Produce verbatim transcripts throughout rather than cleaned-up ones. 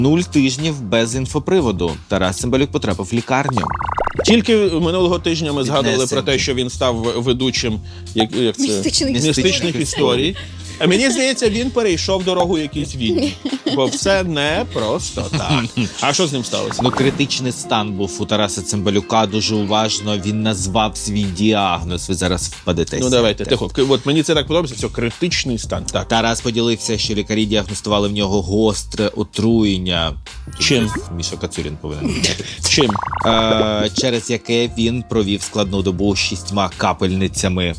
Нуль тижнів без інфоприводу. Тарас Цимбалюк потрапив в лікарню. Тільки минулого тижня ми згадували Піднесення. про те, що він став ведучим як, як це? Містичних містичних історій. історій. А мені здається, він перейшов дорогу якійсь війні. Бо все не просто так. А що з ним сталося? Ну, критичний стан був у Тараса Цимбалюка, дуже уважно. Він назвав свій діагноз. Ви зараз впадетеся. Ну давайте, тихо. От мені це так подобається, все, критичний стан. Так. Тарас поділився, що лікарі діагностували в нього гостре отруєння. Чим? Міша Кацурін повинен знати. Чим? Е, через яке він провів складну добу з шістьма капельницями,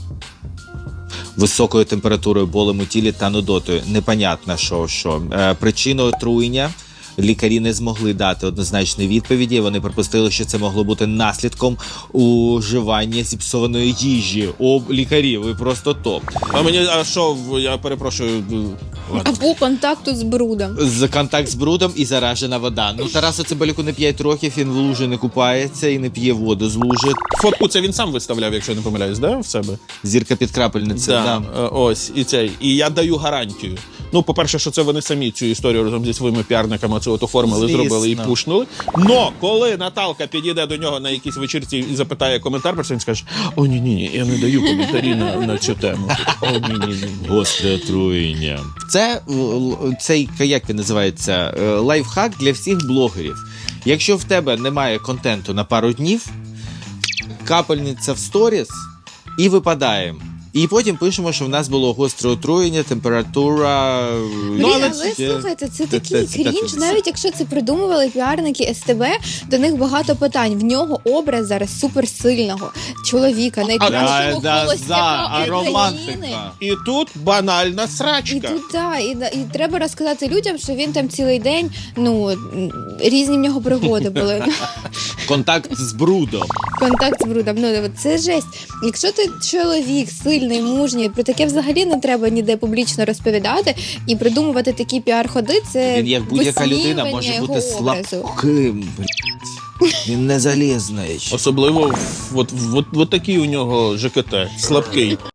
високою температурою, болем у тілі та нудотою. Непонятно, що. що. Е, причину отруєння лікарі не змогли дати однозначної відповіді. Вони припустили, що це могло бути наслідком уживання зіпсованої їжі. О, лікарі, ви просто топ. А мені, а що, в- я перепрошую. Ладно. Або контакту з брудом. З контакт з брудом і заражена вода. Ну, Тарасу Цимбалюку не п'ять років, він в лужі не купається і не п'є воду з лужи. Фотку це він сам виставляв, якщо я не помиляюсь, да, в себе? Зірка під крапельницею. Да, Да. е, ось, і цей. І я даю гарантію. Ну, по-перше, що це вони самі цю історію разом зі своїми піарниками це от оформили, Звісно. зробили і пушнули. Но коли Наталка підійде до нього на якійсь вечірці і запитає коментар, про це він скаже: о, ні-ні, я не даю коментарі на, на цю тему. О, ні-ні-ні. Гостре отруєння. Це е, л- цей, як він називається, е, лайфхак для всіх блогерів. Якщо в тебе немає контенту на пару днів, капельниця в сторіс і випадаємо. І потім пишемо, що в нас було гостре отруєння, температура. Ну, Ну, але але, це- слухайте, це це- такий це- це- крінж. це- Навіть якщо це придумували піарники ес те бе, до них багато питань. В нього образ зараз суперсильного чоловіка, найкращого да, холостяка да, а України. романтика. І тут банальна І срачка. тут да, і, да, і треба розказати людям, що він там цілий день, ну м, різні в нього пригоди були. Контакт з брудом. Контакт з брудом. Ну це жесть. Якщо ти чоловік сильний, мужній, про таке взагалі не треба ніде публічно розповідати і придумувати такі піар-ходи. Це Він, як будь-яка людина, висміювання може його бути образу. слабким. блядь. Він не залізний. Особливо в- от, от, от такий у нього ЖКТ, слабкий.